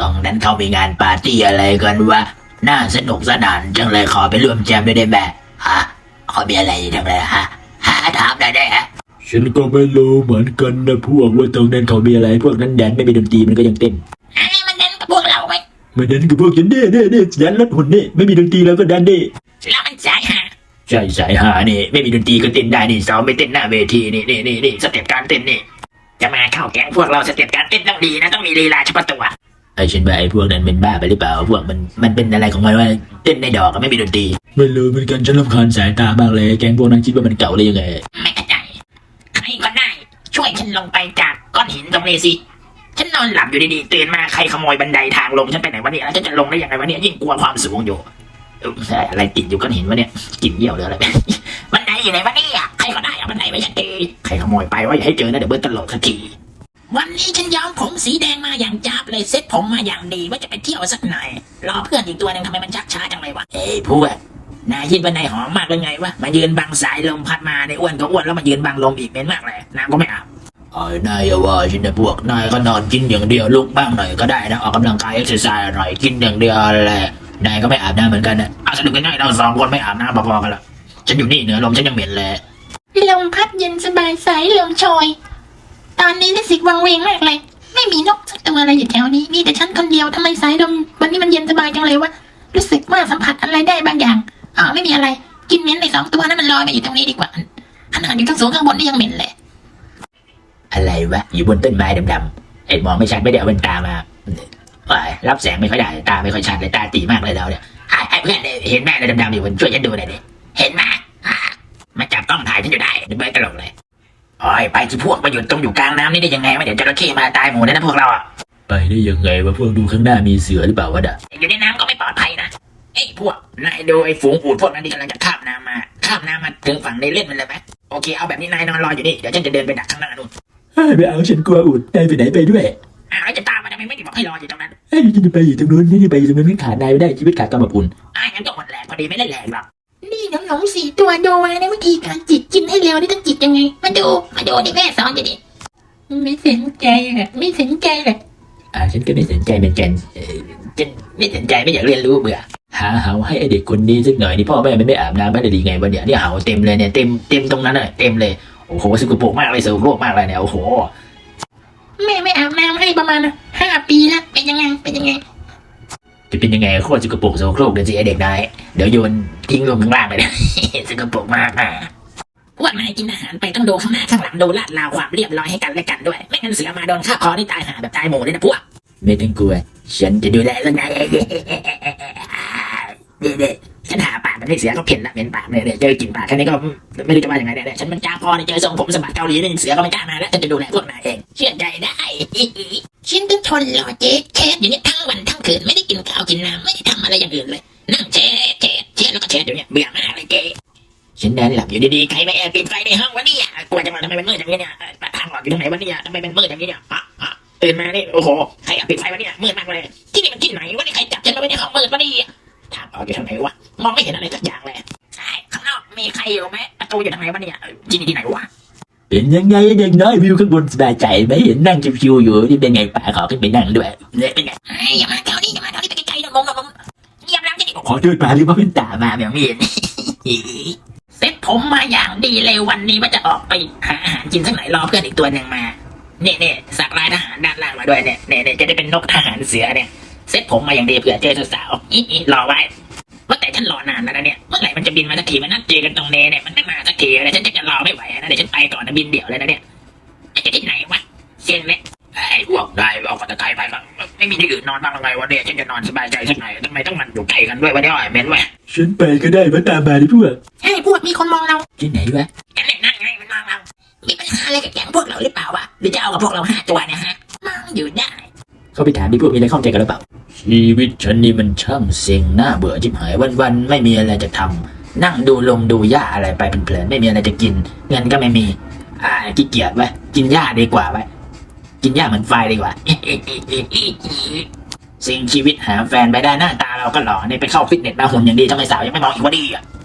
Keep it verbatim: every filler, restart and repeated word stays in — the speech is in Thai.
องนั้นเขามีงานปาร์ตี้อะไรกันวะน่าสนุกสนานจังเลยขอไปร่วมแจมด้วยได้ไหมฮะเขามีอะไรทำอะไรฮะหาถามได้ได้ฮะฉันก็ไม่รู้เหมือนกันนะพวกว่าตรงนั้นเขามีอะไรพวกนั้นแดนไม่มีดนตรีมันก็ยังเต้นอะไรมันแดนกับพวกเราไหมมันแดนกับพวกฉันเด้เด้เด้แดนรถหุ่นนี่ไม่มีดนตรีแล้วก็แดนเด้แล้วมันสายหาใช่สายหานี่ไม่มีดนตรีก็เต้นได้นี่สาวไม่เต้นหน้าเวทีนี่นี่นี่นี่สเต็ปการเต้นนี่จะมาเข้าแก๊งพวกเราสเต็ปการเต้นต้องดีนะต้องมีลีลาเฉพาะตัวไอ้ฉันว่าไอ้พวกนั้นเป็นบ้าไปหรือเปล่าพวกมันมันเป็นอะไรของมันว่าเต้นในดอกก็ไม่มีดนตรีไม่รู้เหมือนกันฉันรำคาญสายตามากเลยแก๊งพวกนั้นคิดว่ามันเก่าเลยยังไงไม่เข้าใจใครก็ได้ช่วยฉันลงไปจากก้อนหินตรงนี้สิฉันนอนหลับอยู่ดีๆตื่นมาใครขโมยบันไดทางลงฉันไปไหนวะเนี่ยแล้วฉันจะลงได้ยังไงวะเนี่ยยิ่งกลัวความสูงอยู่อะไรติดอยู่ก้อนหินวะเนี่ยกลิ่นเยี่ยวหรืออะไรบันไดอยู่ไหนวะเนี่ยใครก็ได้เอาบันไดไปฉันทีใครขโมยไปว่าอย่าให้เจอนะเดี๋ยวเบิร์ตตลกสักทีวันนี้ฉันย้อมผมสีแดงมาอย่างจับเลยเซ็ตผมมาอย่างดีว่าจะไปเที่ยวสักหน่อยรอเพื่อนอีกตัวหนึ่งทำไมมันชักช้าจังเลยวะเอ้ยพวกนายคิดว่านายหอมมากเลยไงวะมายืนบังสายลมพัดมาในอ้วนก็อ้วนแล้วมายืนบังลมอีกเหม็นมากเลยน้ำก็ไม่อาบไอ้นายอย่าว่าฉันนะพวกนายก็นอนกินอย่างเดียวลุกบ้างหน่อยก็ได้นะออกกำลังกายเอ็กซ์ไซส์หน่อยกินอย่างเดียวแหละนายก็ไม่อาบน้ำเหมือนกันนะเอาสนุกกันหน่อยเราสองคนไม่อาบน้ำพอๆกันละฉันอยู่นี่เหนือลมฉันยังเหม็นเลยลมพัดเย็นสบายสายลมโชยตอนนี้รู้สึกวังเวงมากเลยไม่มีนกสักตัวอะไรอยู่แถวนี้มีแต่ฉันคนเดียวทำไมสายลมวันนี้มันเย็นสบายจังเลยวะรู้สึกว่าสัมผัสอะไรได้บางอย่างอ๋อไม่มีอะไรกินเหม็นในสองตัวนั้นมันลอยมาอยู่ตรงนี้ดีกว่าขนาดอยู่ทั้งสูงข้างบนนี่ยังเหม็นเลยอะไรวะอยู่บนต้นไม้ดำๆไอ้มองไม่ชัดไม่ได้เอาแว่นตามารับแสงไม่ค่อยได้ตาไม่ค่อยชัดเลยตาตีมากเลยเราเนี่ยไอ้เพื่อนเห็นแม่อะไรดำๆอยู่บนช่วยฉันดูหน่อยดิเห็นไหมมาจับกล้องถ่ายฉันอยู่ได้เบิร์ตตลกเลยโอ้ยไปที่พวกมาอยู่ตรงอยู่กลางน้ำนี่ได้ยังไงวะเดี๋ยวจระเข้มาตายหมู่เลยนะพวกเราอ่ะไปได้ยังไงวะพวกดูข้างหน้ามีเสือหรือเปล่าวะด่ะอยู่ในน้ำก็ไม่ปลอดภัยนะไอ้พวกนายดูไอ้ฝูงอูฐพวกนั้นที่กำลังจะข้ามน้ำมาข้ามน้ำมาถึงฝั่งในเล่นมันเลยไหมโอเคเอาแบบนี้นายนอนรออยู่นี่เดี๋ยวฉันจะเดินไปดักข้างหน้านู่นไม่เอาฉันกลัวอูฐนายไปไหนไปด้วยอ้าวจะตามมาทำไมไม่ได้บอกให้รออยู่ตรงนั้นเฮ้ยฉันจะไปอยู่ตรงนู้นนี่ไปอยู่ตรงนู้นขาดนายไม่ได้ชีวิตขาดกำลังอุ่นอ้าวงั้นก็หมดแรงพอดีไม่ได้แรงหรอกนี่น้องหนงสี่ตัวโดวาในวิธีการจิตกินให้เร็วนี่ต้องจิตยังไงมาดูมาดูดิแม่สอนอยู่ดิไม่สนใจเลยไม่สนใจเลยอ่าฉันก็ไม่สนใจเหมือนกันฉันไม่สนใจไม่อยากเรียนรู้เบื่อหาเห่าให้ไอเด็กคนนี้สักหน่อยนี่พ่อแม่มันไม่อาบน้ำไม่ได้ดีไงวันเนี้ยเนี่ยเห่าเต็มเลยเนี่ยเต็มเต็มตรงนั้นเลยเต็มเลยโอ้โหสกปรกมากเลยสกปรกมากเลยเนี่ยโอ้โหแม่ไม่อาบน้ำให้ประมาณห้าปีแล้วเป็นยังไงเป็นยังไงจะเป็นยังไงโคตรสกปรกโสโครกเดี๋ยวสิไอเด็กนายเดี๋ยวโยนทิ้งลงข้างล่างเลยนะสกปรกมากอ่ะพวกนายกินอาหารไปต้องดูข้างหน้าข้างหลังดูลาดราวความเรียบร้อยให้กันและกันด้วยไม่งั้นเสือมาโดนฆ่าคอได้ตายหาแบบตายหมู่เลยนะพวกไม่ต้องกลัวฉันจะดูแลเรื่องนายเองเด็กฉันหาปากมันให้เสือก็เพ่นละเป็นปากเนี่ยเจอกลิ่นปากแค่นี้ก็ไม่รู้จะว่าอย่างไรเนี่ยฉันมันจ้าพอเนี่ยเจอทรงผมสมบัติเกาหลีนี่เสือก็ไม่กล้ามาแล้วฉันจะดูแลพวกนายเองเชื่อใจได้ฉันต้องทนรอเจ๊แคสอยู่เนี่ยทั้งวันทั้งคืนไม่ได้กินข้าวกินน้ำไม่ได้ทำอะไรอย่างอื่นเลยนั่งเช็ดเช็ดเช็ดแล้วก็เช็ดอยู่เนี่ยเบื่อมากเลยเจ๊ฉันนอนหลับอยู่ดีๆใครมาแอบปิดไฟในห้องวะเนี่ยกลัวจะมาทำไมมันมืดอย่างนี้เนี่ยทางออกอยู่ตรงไหนวะเนี่ยทำไมมันมืดอย่างนี้เนี่ยตื่นมานี่โอ้โหใครแอบปิดไฟวะเนี่ยมืดมากเลยที่นี่มันที่ไหนวะนี่ใครจับฉันมาไว้ในห้องมืดวะนี่ทางออกอยู่ทางไหนวะมองไม่เห็นอะไรสักอย่างเลยใช่ข้างนอกมีใครอยู่ไหมประตูอยู่ทางไหนวะเนี่ยที่นี่ที่ไหนวะเป็นยังไงเด็กน้อยวิวข้างบนสบายใจไหมเห็นนั่งชิวๆอยู่นี่เป็นไงป่าขอขึ้นไปนั่งด้วยเนี่ยเป็นไงอย่ามาแถวนี้อย่ามาแถวนี้ไปไกลๆนะงงงงเงียบแล้วจะดิขอโทษป่าหรือว่าเป็นตามาแบบนี้เซ็ตผมมาอย่างดีเลยวันนี้ว่าจะออกไปหาอาหารกินสักหน่อยรอเพื่อนอีกตัวหนึ่งมาเนี่ยเนี่ยสักลายทหารด้านล่างมาด้วยเนี่ยเนี่ยจะได้เป็นนกทหารเสือเนี่ยเซ็ตผมมาอย่างดีเผื่อเจอสาวๆอีรอไว้ว่าแต่ฉันรอนานแล้วนะเนี่ยเมื่อไหร่มันจะบินมาสักทีมันนัดเจอกันตรงเนเนี่ยมันไม่มาสักทีเลยฉันจะรอไม่ไหวนะเดี๋ยวฉันไปก่อนนะบินเดี่ยวเลยนะเนี่ยจะที่ไหนวะเสียงเนี่ยไอ้พวกได้เอาฝันตะไคร้ไปมั้งไม่มีที่อื่นนอนบ้างหรือไงวะเนี่ยฉันจะนอนสบายใจสักหน่อยทำไมต้องมันอยู่ไกลกันด้วยวะเนี่ยเม้นวะฉันไปก็ได้มาตามมาดิพวกใช่พวกมีคนมองเราที่ไหนวะกันเนี่ยนั่งไงมันมองเรามีปัญหาอะไรกับแก๊งพวกเราหรือเปล่าวะหรือจะเอากับพวกเราห้าตัวเนี่ยฮะมองอยู่ได้เขาไปถามดิพวกมีอะไรข้องใจกันหรือเปล่าชีวิตฉันนี่มันช่างเซ็งน่าเบื่อจิบหายวันๆไม่มีอะไรจะทำนั่งดูลมดูหญ้าอะไรไปเพลินๆไม่มีอะไรจะกินเงินก็ไม่มีอ่าขี้เกียจไว้กินหญ้าดีกว่าไว้กินหญ้าเหมือนไฟดีกว่าสิ่งชีวิตหาแฟนไปได้หน้าตาเราก็หล่อเนี่ยไปเข้าฟิตเนสมาหุ่นอย่างดีทำไมสาวยังไม่มองอีกว่าดีอ่ะ